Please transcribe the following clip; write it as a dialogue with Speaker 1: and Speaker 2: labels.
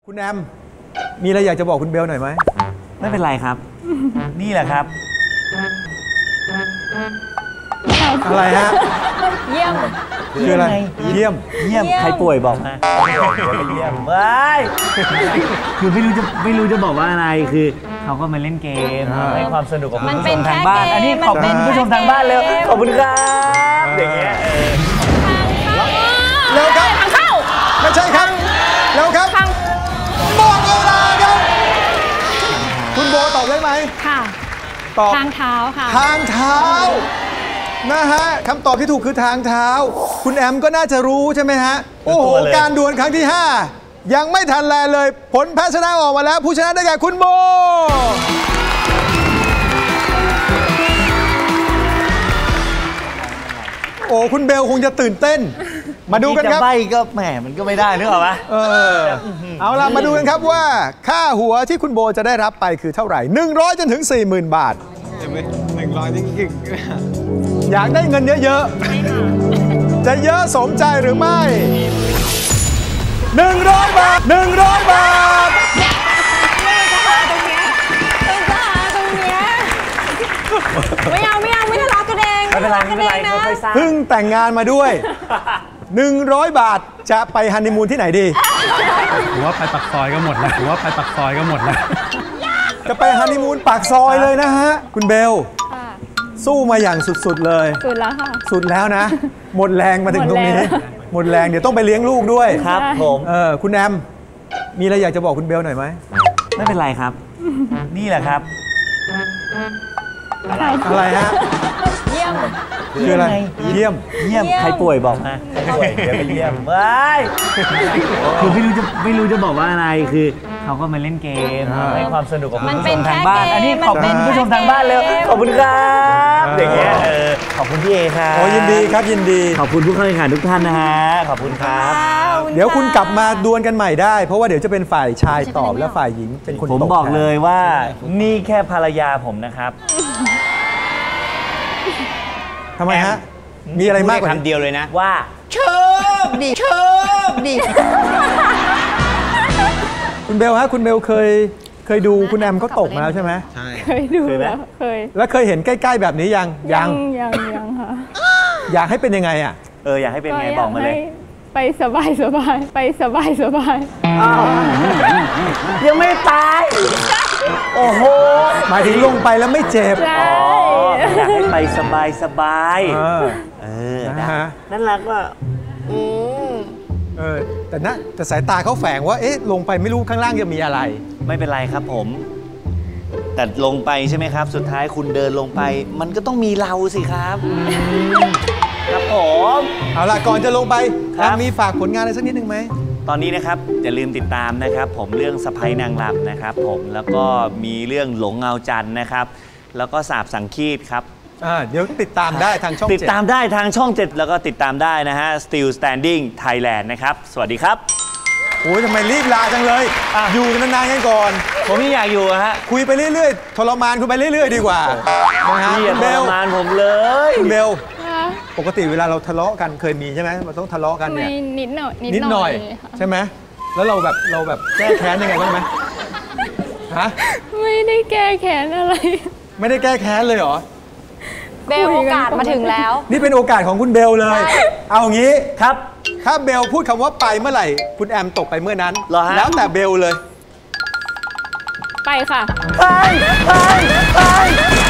Speaker 1: คุณแอมมีอะไรอยากจะบอกคุณเบลหน่อยไหม
Speaker 2: ไม่เป็นไรครับนี่แหละครับ
Speaker 1: อะไรฮะ
Speaker 3: เยี่ยม
Speaker 1: คืออะไรเยี่ยม
Speaker 2: ใครป่วยบอกมาเยี่ยมว้ายคือไม่รู้จะบอกว่าอะไรคือเขาก็มาเล่นเกมให้ความสนุกกับผู้ชมทางบ้านอันนี้ขอบคุณผู้ชมทางบ้านเลยขอบคุณครับอย่างเงี้ย
Speaker 1: แล้วครับ
Speaker 3: ทางเข้า
Speaker 1: ไม่ใช่ครับแล้วครับหมดเวลาครับคุณโบตอบได้ไหม
Speaker 3: ค่ะ
Speaker 1: ตอบ
Speaker 3: ทางเท้าค่ะ
Speaker 1: ทางเท้านะฮะคำตอบที่ถูกคือทางเท้าคุณแอมก็น่าจะรู้ใช่ไหมฮะโอ้โหการดวลครั้งที่5ยังไม่ทันแลเลยผลแพ้ชนะออกมาแล้วผู้ชนะได้แก่คุณโบโอ้คุณเบลคงจะตื่นเต้นมาดูกันครับ
Speaker 2: จะใบ้ก็แหมมันก็ไม่ได้นึกออกปะ
Speaker 1: เอาล่ะมาดูกันครับว่าค่าหัวที่คุณโบจะได้รับไปคือเท่าไหร่100จนถึง 40,000 บาท100จริงๆอยากได้เงินเยอะๆจะเยอะสมใจหรือไม่100 บาท100 บาท
Speaker 3: ไม่เอาไม่ทะเลาะกันเอง
Speaker 2: ไม่เป็นไรค่อยๆสร้าง
Speaker 1: เพิ่งแต่งงานมาด้วย100 บาทจะไปฮันนีมูนที่ไหนดี
Speaker 4: ผมว่าไปปักซอยก็หมดแล้ว
Speaker 1: จะไปฮันนีมูนปากซอยเลยนะฮะคุณเบลสู้มาอย่างสุดๆเลย
Speaker 3: สุดแล้วค่ะ
Speaker 1: สุดแล้วนะหมดแรงมาถึงตรงนี้หมดแรงเดี๋ยวต้องไปเลี้ยงลูกด้วย
Speaker 2: ครับผม
Speaker 1: คุณแอมมีอะไรอยากจะบอกคุณเบลหน่อยไหม
Speaker 2: ไม่เป็นไรครับนี่แหละครับ
Speaker 1: อะไรฮะ
Speaker 3: เยี่ยม
Speaker 1: คืออะไรเยี่ยม
Speaker 2: ใครป่วยบอกมาป่วยเดี๋ยวไปเยี่ยมว้ายคือไม่รู้จะบอกว่าอะไรคือเขาก็มาเล่นเกมให้ความสนุกกับผู้ชมทางบ้านอันนี้ขอบคุณผู้ชมทางบ้านเลยขอบคุณครับอย่างเงี้ยขอบคุณพี่เอครับ
Speaker 1: โอ้ยินดีครับยินดี
Speaker 2: ขอบคุณผู้เข้าแข่งขันทุกท่านนะฮะขอบคุณครับ
Speaker 1: เดี๋ยวคุณกลับมาดวลกันใหม่ได้เพราะว่าเดี๋ยวจะเป็นฝ่ายชายตอบและฝ่ายหญิงเป็นคนตอบ
Speaker 2: ผมบอกเลยว่านี่แค่ภรรยาผมนะครับ
Speaker 1: ทำไมฮะมีอะไรมากกว่า
Speaker 2: คำเดียวเลยนะว่าโชคดี
Speaker 1: คุณเบลฮะคุณเบลเคยดูคุณแอมเขาตกมาแล้วใช่ไหม
Speaker 3: ใช่เคยดูแล้ว
Speaker 1: แล้วเคยเห็นใกล้ๆแบบนี้ยัง
Speaker 3: ค่ะ
Speaker 1: อยากให้เป็นยังไงอ่ะ
Speaker 2: อยากให้เป็นไงบอกมาเลย
Speaker 3: ไปสบาย
Speaker 2: ยังไม่ตายโอ้โห
Speaker 1: หมายถึงลงไปแล้วไม่เจ็บ
Speaker 2: อยากให้ไปสบายนั่นรักว่า
Speaker 1: แต่สายตาเขาแฝงว่าลงไปไม่รู้ข้างล่างจะมีอะไร
Speaker 2: ไม่เป็นไรครับผมแต่ลงไปใช่ไหมครับสุดท้ายคุณเดินลงไปมันก็ต้องมีเราสิครับครับผม
Speaker 1: เอาล่ะก่อนจะลงไปมีฝากผลงานอะไรสักนิดนึงไหม
Speaker 2: ตอนนี้นะครับอย่าลืมติดตามนะครับผมเรื่องสะใภ้นางรำนะครับผมแล้วก็มีเรื่องหลงเงาจันทร์นะครับแล้วก็สาบสังคีตครับ
Speaker 1: เดี๋ยวติดตามได้ทางช่อง7
Speaker 2: ติดตามได้ทางช่อง7แล้วก็ติดตามได้นะฮะ Still Standing Thailand นะครับสวัสดีครับ
Speaker 1: โอ้ยทำไมรีบลาจังเลยอยู่กันนานๆกันก่อน
Speaker 2: ผมไม่อยากอยู่ฮะ
Speaker 1: คุยไปเรื่อยๆทรมานคุณไปเรื่อยๆดีกว่า
Speaker 2: นะฮะทรมานผมเลย
Speaker 1: คุณเบลปกติเวลาเราทะเลาะกันเคยมีใช่ไหมเราต้องทะเลาะกันเนี่ย
Speaker 3: นิดหน่อย
Speaker 1: ใช่ไหมแล้วเราแบบแก้แค้นยังไงบ้างไหมฮะ
Speaker 3: ไม่ได้แก้แค้นอะไร
Speaker 1: ไม่ได้แก้แค้นเลยเหรอ
Speaker 3: เบลโอกาสมาถึงแล้ว
Speaker 1: นี่เป็นโอกาสของคุณเบลเลยเอางี้
Speaker 2: ครับ
Speaker 1: ถ้าเบลพูดคำว่าไปเมื่อไหร่คุณแอมตกไปเมื่อนั้นแล้วแต่เบลเลย
Speaker 3: ไปค่ะ
Speaker 2: ไป